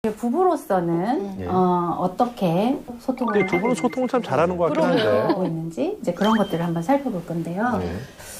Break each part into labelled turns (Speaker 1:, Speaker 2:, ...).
Speaker 1: 부부로서는
Speaker 2: 예.
Speaker 1: 어떻게 소통을
Speaker 2: 근데 두 분은 소통을 참 잘하는 것 같긴 한데.
Speaker 1: 하고 있는지 이제 그런 것들을 한번 살펴볼 건데요.
Speaker 2: 네.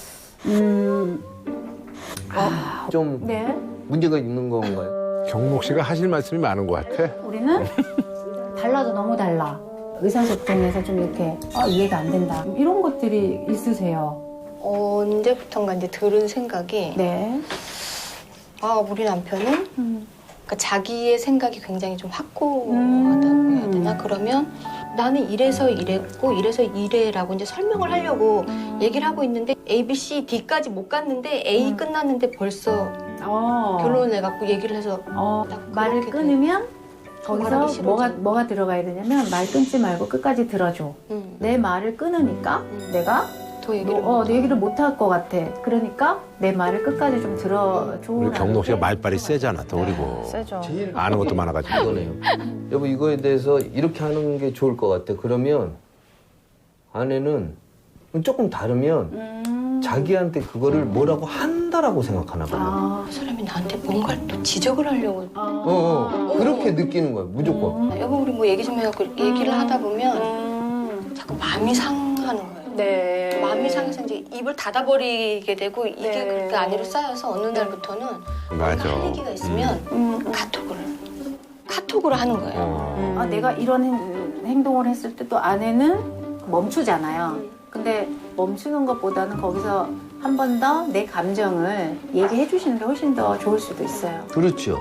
Speaker 3: 좀
Speaker 1: 네,
Speaker 3: 문제가 있는 건가요?
Speaker 2: 경록 씨가 하실 말씀이 많은 것 같아.
Speaker 1: 우리는 달라도 너무 달라. 의사소통에서 좀 이렇게 이해가 안 된다. 이런 것들이 있으세요?
Speaker 4: 언제부턴가 이제 들은 생각이
Speaker 1: 네.
Speaker 4: 우리 남편은 그러니까 자기의 생각이 굉장히 좀 확고하다고 해야 되나? 그러면 나는 이래서 이랬고 이래서 이래라고 이제 설명을 하려고 얘기를 하고 있는데 A, B, C, D까지 못 갔는데 A 끝났는데 벌써 결론을 내갖고 얘기를 해서
Speaker 1: 말을
Speaker 4: 그렇게
Speaker 1: 끊으면
Speaker 4: 말하기
Speaker 1: 거기서
Speaker 4: 싫어져.
Speaker 1: 뭐가 들어가야 되냐면 말 끊지 말고 끝까지 들어줘. 내 말을 끊으니까 내가
Speaker 4: 더 얘기를
Speaker 1: 내 얘기를 못 할 것 같아. 그러니까 내 말을 끝까지 좀 들어줘.
Speaker 2: 우리 경록 씨가 말빨이 세잖아, 더 그리고.
Speaker 1: 세죠.
Speaker 3: 제일
Speaker 2: 아는 것도 많아가지고.
Speaker 3: 이거네요. 여보 이거에 대해서 이렇게 하는 게 좋을 것 같아. 그러면 아내는 조금 다르면 자기한테 그거를 뭐라고 한다라고 생각하나 봐요.
Speaker 4: 그 사람이 나한테 뭔가를 또 지적을 하려고
Speaker 3: 그렇게 느끼는 거예요. 무조건.
Speaker 4: 여보 우리 뭐 얘기 좀 해갖고 얘기를 하다 보면 자꾸 마음이 상하는 거예요.
Speaker 1: 네.
Speaker 4: 마음이 상해서 이제 입을 닫아버리게 되고 이게
Speaker 1: 네.
Speaker 4: 그렇게 안으로 쌓여서 어느 날부터는
Speaker 2: 맞아.
Speaker 4: 할 얘기가 있으면 카톡으로 하는 거예요.
Speaker 1: 내가 이런 행동을 했을 때 또 아내는 멈추잖아요. 근데 멈추는 것보다는 거기서 한 번 더 내 감정을 얘기해 주시는 게 훨씬 더 좋을 수도 있어요.
Speaker 3: 그렇죠.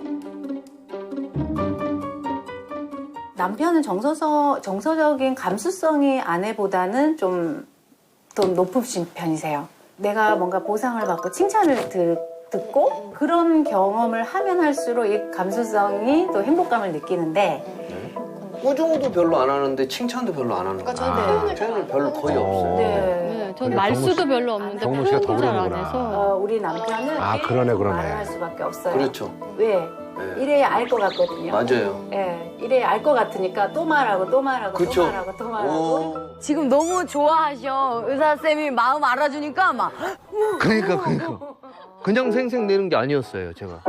Speaker 1: 남편은 정서적인 감수성이 아내보다는 좀 더 높으신 편이세요. 내가 뭔가 보상을 받고 칭찬을 듣고 그런 경험을 하면 할수록 이 감수성이 또 행복감을 느끼는데
Speaker 3: 꾸중도 별로 안 하는데 칭찬도 별로 안 하는 거예요.
Speaker 4: 저는
Speaker 3: 표현을 별로 거의 없어요.
Speaker 1: 네.
Speaker 5: 전
Speaker 2: 그래,
Speaker 5: 말수도 별로 없는데
Speaker 2: 경록 씨가 더
Speaker 5: 표현도 잘 안
Speaker 2: 그러는구나.
Speaker 5: 해서
Speaker 1: 우리 남편은
Speaker 2: 그러네.
Speaker 1: 말을 할 수밖에 없어요.
Speaker 3: 그렇죠.
Speaker 1: 왜?
Speaker 3: 네.
Speaker 1: 이래야 알 것 같거든요.
Speaker 3: 맞아요.
Speaker 1: 예, 이래야 알 것 같으니까 또 말하고 또 말하고
Speaker 3: 그쵸.
Speaker 1: 또 말하고 또 말하고.
Speaker 6: 지금 너무 좋아하셔. 의사쌤이 마음 알아주니까 막.
Speaker 3: 그러니까. 그냥 생생 내는 게 아니었어요, 제가.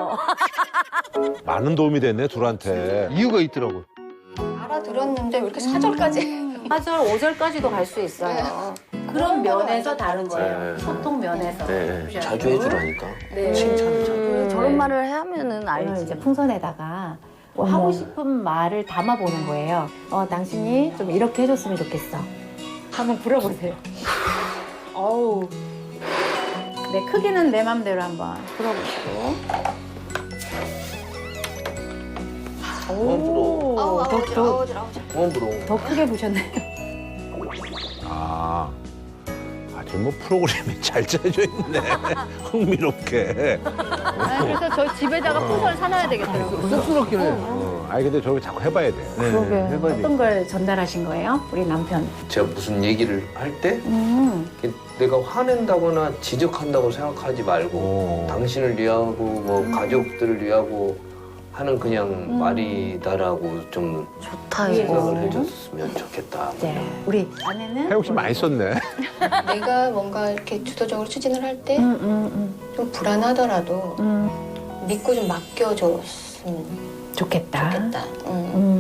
Speaker 2: 많은 도움이 됐네, 둘한테.
Speaker 3: 이유가 있더라고요.
Speaker 4: 알아들었는데 왜 이렇게 4절까지
Speaker 1: 4절, 5절까지도 갈 수 있어요. 그런 면에서 다른 거예요.
Speaker 3: 네.
Speaker 1: 소통 면에서. 그죠?
Speaker 3: 자주 해주라니까.
Speaker 1: 네.
Speaker 3: 칭찬을 자주.
Speaker 6: 저런 말을 하면은
Speaker 1: 오늘
Speaker 6: 알지.
Speaker 1: 이제 풍선에다가 뭐 하고 싶은 말을 담아보는 거예요. 당신이 좀 이렇게 해줬으면 좋겠어. 한번 불어보세요. 어우. 네, 크기는 내 맘대로 한번 불어보시고.
Speaker 3: 그만 불어.
Speaker 4: 아우질
Speaker 3: 그만 불어.
Speaker 1: 더 크게 부셨나요?
Speaker 2: 지금 뭐 프로그램이 잘 짜져 있네. 흥미롭게.
Speaker 5: 그래서 저희 집에다가 풍선을 사놔야 되겠더라고요.
Speaker 3: 쑥스럽긴 해.
Speaker 2: 근데 저기 자꾸 해봐야 돼.
Speaker 1: 그러게.
Speaker 3: 해봐야
Speaker 1: 어떤 걸 전달하신 거예요? 우리 남편.
Speaker 3: 제가 무슨 얘기를 할 때 내가 화낸다거나 지적한다고 생각하지 말고 당신을 위하고 뭐 가족들을 위하고 하는 그냥 말이다라고 좀
Speaker 6: 좋다
Speaker 3: 생각을
Speaker 6: 이거.
Speaker 3: 해줬으면 좋겠다.
Speaker 1: 네. 우리 아내는
Speaker 2: 혜영 씨 많이 썼네.
Speaker 4: 내가 뭔가 이렇게 주도적으로 추진을 할 때 좀 불안하더라도 믿고 좀 맡겨줬으면
Speaker 1: 좋겠다.
Speaker 4: 좋겠다.